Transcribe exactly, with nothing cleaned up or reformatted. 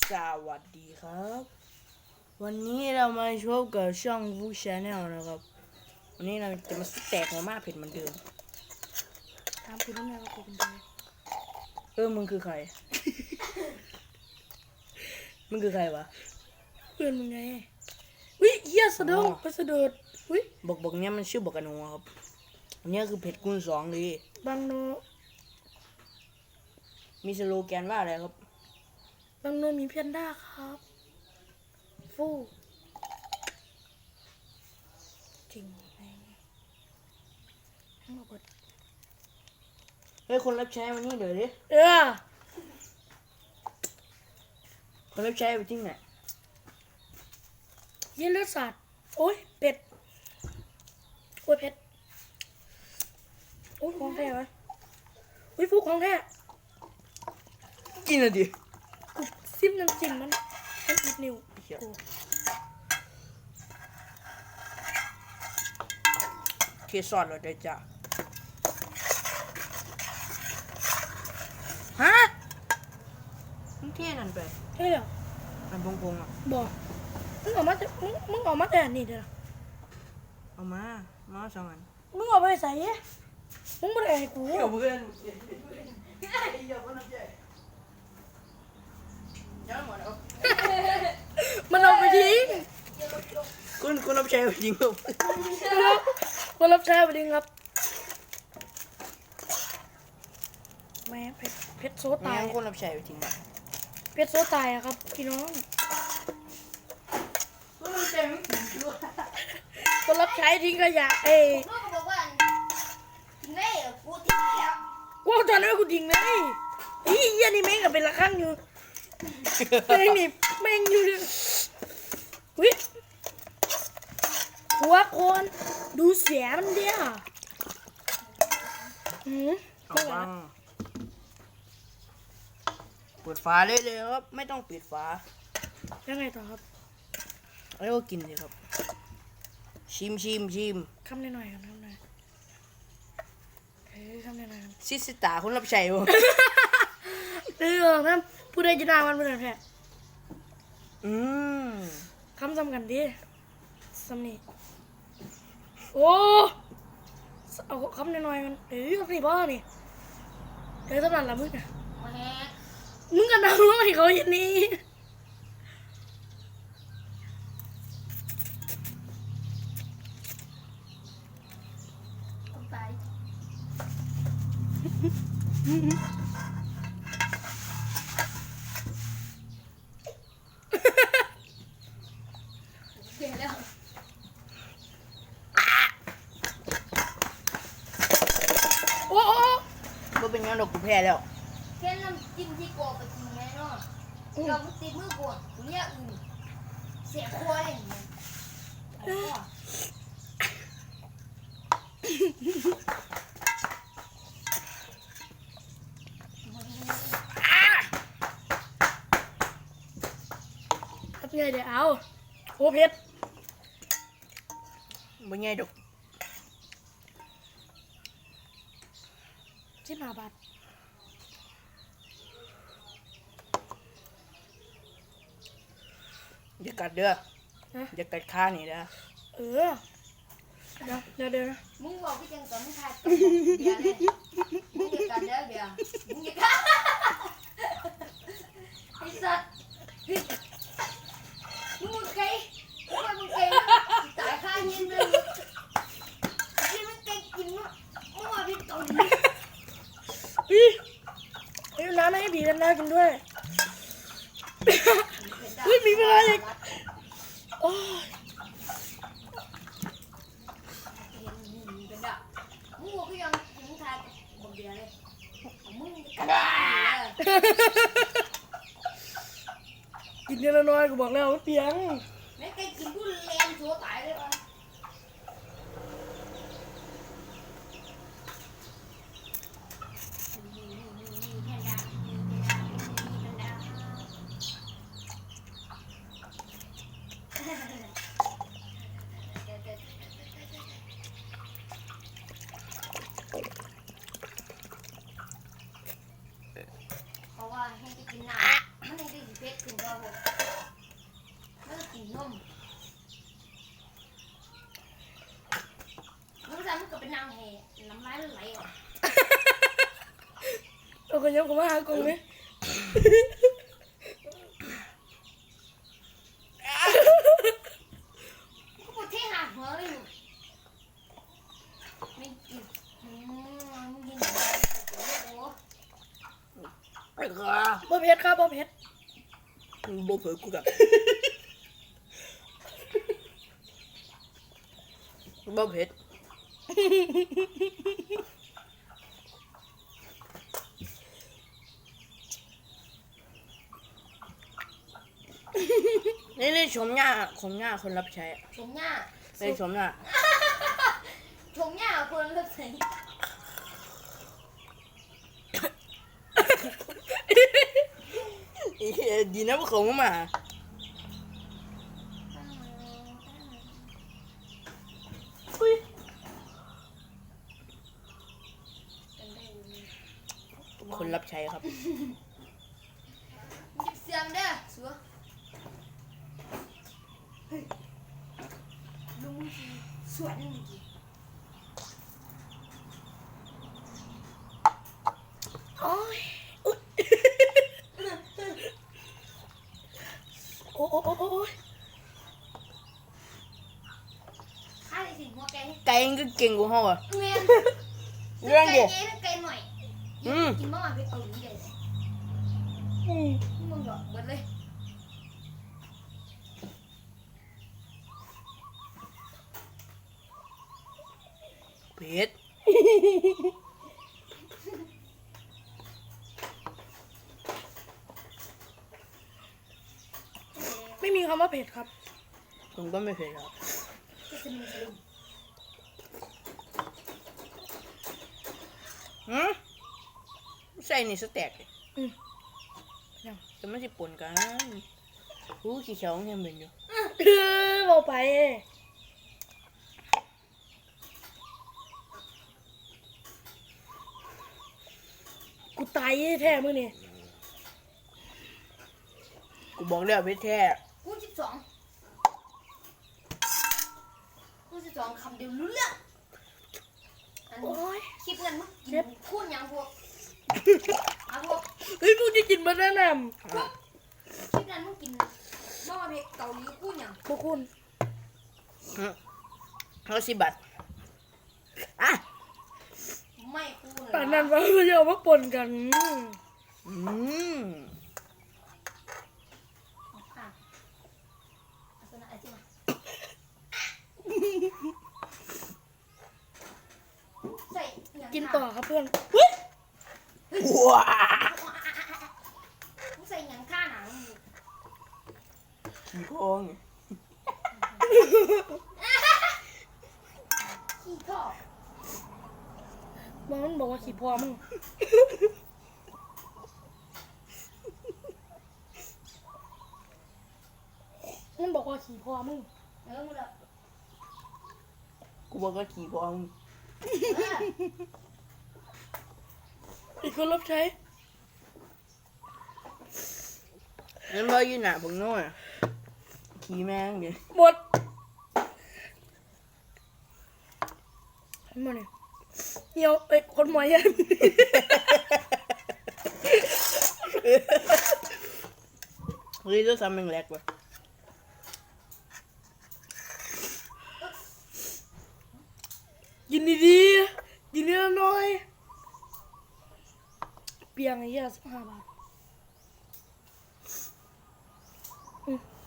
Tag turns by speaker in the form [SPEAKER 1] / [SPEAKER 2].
[SPEAKER 1] สวัสดีครับวันนี้เรามาชมกับช่องฟูชาแนลนะครับวันนี้เราจะมาแตกมาม่าเผ็ดเหมือนเดิม
[SPEAKER 2] ถามคุณน้ำยากูเป็นใคร
[SPEAKER 1] เออมึงคือใคร มึงคือใครวะ
[SPEAKER 2] เพื่อนมึงไงวิเฮียสะดุ้งไปสะดุดวิ
[SPEAKER 1] บอกบอกเนี้ยมันชื่อบอกกันนัวครับอันนี้คือเผ็ดคูณสองเลย
[SPEAKER 2] บางโน
[SPEAKER 1] มีสโลแกนว่าอะไรครับ
[SPEAKER 2] บางโนมีเพียนด้าครับฟูจริงไหมทั้งหมด
[SPEAKER 1] เฮ้ยคนรับใช้วันนี้เดี๋ยวดิ
[SPEAKER 2] เออ
[SPEAKER 1] คนรับใช้ไปที่ไหน
[SPEAKER 2] เยี่ยเลือดสัตว์โอ้ยเป็ดโอ้ยเป็ดโอ้ยของแท้ไหมวิฟูของแท้
[SPEAKER 1] กินอะดิ
[SPEAKER 2] ซิมน้ำจิ้มมันมันอีกนิ้ว
[SPEAKER 1] เคซอสเราได้จ้ะฮะมึงเท่นั่นไป
[SPEAKER 2] เฮ้ยเหรอ
[SPEAKER 1] มันพงพงอ่ะ
[SPEAKER 2] บอกมึงออกมามึงมึงออกมาแต่นี่เด้อ
[SPEAKER 1] เอามามาสองอัน
[SPEAKER 2] มึงออกไปใส่มึงไม่ได้ให้กู
[SPEAKER 1] เดี๋ยวเพื่อน
[SPEAKER 2] มันเอาไปทิ้ง
[SPEAKER 1] คุณคุณรับใช้ไปทิ้งครับ
[SPEAKER 2] คนรับใช้ไปทิ้งครับแม่เพชรเพชรโซตาย
[SPEAKER 1] คนรับใช้ไปทิ้ง
[SPEAKER 2] เพชรโซตายอะครับพี่น้องคนรับใช้ทิ้งขยะเอ้ยกูตอนนั้นกูทิ้งเลยอีเหี้ยนี่แม่งกับเป็นละครั้งอยู่แม่งนี่แม่งอยู่วิหัวคนดูเสียมันเดียวหืม
[SPEAKER 1] เอาบ้างเปิดฝาเลยเลยครับไม่ต้องปิดฝา
[SPEAKER 2] ยังไงต่อครับ
[SPEAKER 1] แล้วก็กินเลยครับชิมชิมชิม
[SPEAKER 2] คำหน่อยๆครับคำหน่อยเฮ้ยคำหน่อยๆ
[SPEAKER 1] ซิสตาคนรับใช้บ่
[SPEAKER 2] เรื่องนั้นผู้ใดจะด่ามันเป็นแผล
[SPEAKER 1] อืม
[SPEAKER 2] คำสำคัญดิสำนีโอ้เอาคำหน่อยๆมันเฮ้ยคำนี้บ้านี่เฮ้ยสำนักละมึงอะมึงกันนะมึงให้เขาอย่างนี้โอ้โอ้
[SPEAKER 1] ก็เป็นงั้นดอกกูแพ้แล้ว
[SPEAKER 3] แค่น้ำจิ้มที่กรอบไปกินไงเนาะเราไม่ติดมือกวดเนี่ยอื่นเสียครัวอย่างเงี้ย
[SPEAKER 2] ครับไงเดี๋ยวเอาโอ้เพชร
[SPEAKER 1] เป็นไงดอก
[SPEAKER 2] สิบห้าบาท
[SPEAKER 1] อย่ากัดเด้ออย่ากัดข้านี่นะ
[SPEAKER 2] เออเดี๋ยวเดี๋ยวเดี๋ยว
[SPEAKER 3] มึงบอกพี่จังก่อนมึงทายเบียร์เลยมึงอย่ากัดเด้อเบียร์มึงอย่ากัดไอ้สัตว์มึงมึงไกลมึงมึงไกลตายข้าเย็นเลยที่มึงไกลกินมั้งมึงว่าพี่ตอนนี้
[SPEAKER 2] อีไอ้น้ำให้บีกันน้ากินด้วยอุ้ยมีเวลาอีกโอ้ย
[SPEAKER 3] มึงบอกพี่ยังมึงทายบอกเบียร์เลยมึงกัด
[SPEAKER 2] กินเยอะน้อยกูบอกแล้วมันเปียง
[SPEAKER 3] แม่ไก่กินกูแรงชัวตายเลยวะเพราะว่าให้ไปกินน้ำมันให้ได้เพชรถึงก็ครับผมแล้วก็กินนมแล้วก็มันก็เป็นนางแห่น้ำลายไหลออก
[SPEAKER 2] เอาคนยังผมมาหากงไหม
[SPEAKER 3] ก็ปวดที่หาหัวเลยหนูไม่กินอืมไม่กินอะไรโอ้โห
[SPEAKER 1] ไอ้ข้า
[SPEAKER 2] บ่เพชรครับบ่เพชร
[SPEAKER 1] บ่เผยกูกับบ่เผ็ดนี่นี่ชมหน้าชมหน้าคนรับใช้
[SPEAKER 3] ชมหน้า
[SPEAKER 1] นี่ชมหน้า
[SPEAKER 3] ชมหน้าคนเลือกใส่
[SPEAKER 1] ดีนะพวกเขาไม่มาคนรับใช้ครับ
[SPEAKER 3] หยิบเสียมเด้อสัวเฮ้ยลุงจีสวนลุงจี
[SPEAKER 2] โอ้ยอุ๊ยโอ้โอ้โอ้โอ้ย
[SPEAKER 3] ข้าได้สิหัวไก่
[SPEAKER 1] ไก่ก็เก่งกว่าเขาอ่ะ
[SPEAKER 3] เมียน
[SPEAKER 1] เรื่องเดียว
[SPEAKER 3] ไก่ไก่หน่อย
[SPEAKER 1] อืม
[SPEAKER 3] กินมากไปเกาหลีเลย
[SPEAKER 2] อืม
[SPEAKER 3] มึงหรอกเบิดเลย
[SPEAKER 1] เผ็ด
[SPEAKER 2] ไม่มีคำว่าเผ็ดครับ
[SPEAKER 1] ผมก็ไม่เผ็ดครับ
[SPEAKER 3] จะสนุกสนุก
[SPEAKER 1] หืมใส่นี่สแต็กดิ
[SPEAKER 2] อืมยัง
[SPEAKER 1] แต่ไม่ใช่ปนกันรู้ขี้เขียวยังเป็นอยู่
[SPEAKER 2] เออบอกไปกูตายแท้มึงนี่
[SPEAKER 1] กูบอกแล้วเผ็ดแท้
[SPEAKER 3] กูสิบสองกูสิบสองคำเดียวรู้เรื่องอัน
[SPEAKER 2] โอ้ย
[SPEAKER 3] คลิปเงินมึงกินคูณยังพวกอ่ะพวก
[SPEAKER 2] เฮ้ยกูจะกินบานาน่า
[SPEAKER 3] คลิปนั้นมึงกินมอเพกเกาหลีคูณยัง
[SPEAKER 2] พวกคุณ
[SPEAKER 1] หืมเขาสิบบาทอ่ะ
[SPEAKER 3] ไม่คูณ
[SPEAKER 2] ป่านนั้นว่าจะเอามาปนกัน
[SPEAKER 1] อืม
[SPEAKER 3] อ่ะเอาตัวนั้นเอาสิมาใส่ย่าง
[SPEAKER 2] กินต่อครับเพื่อน
[SPEAKER 1] ว้า
[SPEAKER 3] มึงใส่หยังข้าหนัง
[SPEAKER 1] ขี้โกง
[SPEAKER 3] ขี้ท่อ
[SPEAKER 2] มันบอกว่าขี่พอมึงมันบอกว่าขี่พอมึง
[SPEAKER 3] เออมึงแบบ
[SPEAKER 1] กูบอกว่าขี้โกง
[SPEAKER 3] เออ
[SPEAKER 2] อีกคนรับใช้
[SPEAKER 1] นั่นว่าอยู่หน้าผมโน่นอะขี้แม่งเดี๋ยว
[SPEAKER 2] หมดเห็นมาเนี่ยเหี่ยวเอ้ยคนหมอยยัน
[SPEAKER 1] เฮ้ยต้องทำเป็นแรกว่ะ
[SPEAKER 2] กินดีๆกินเนื้อน้อยเปียงไอ้เหี้ยสิบห้าบาทอืม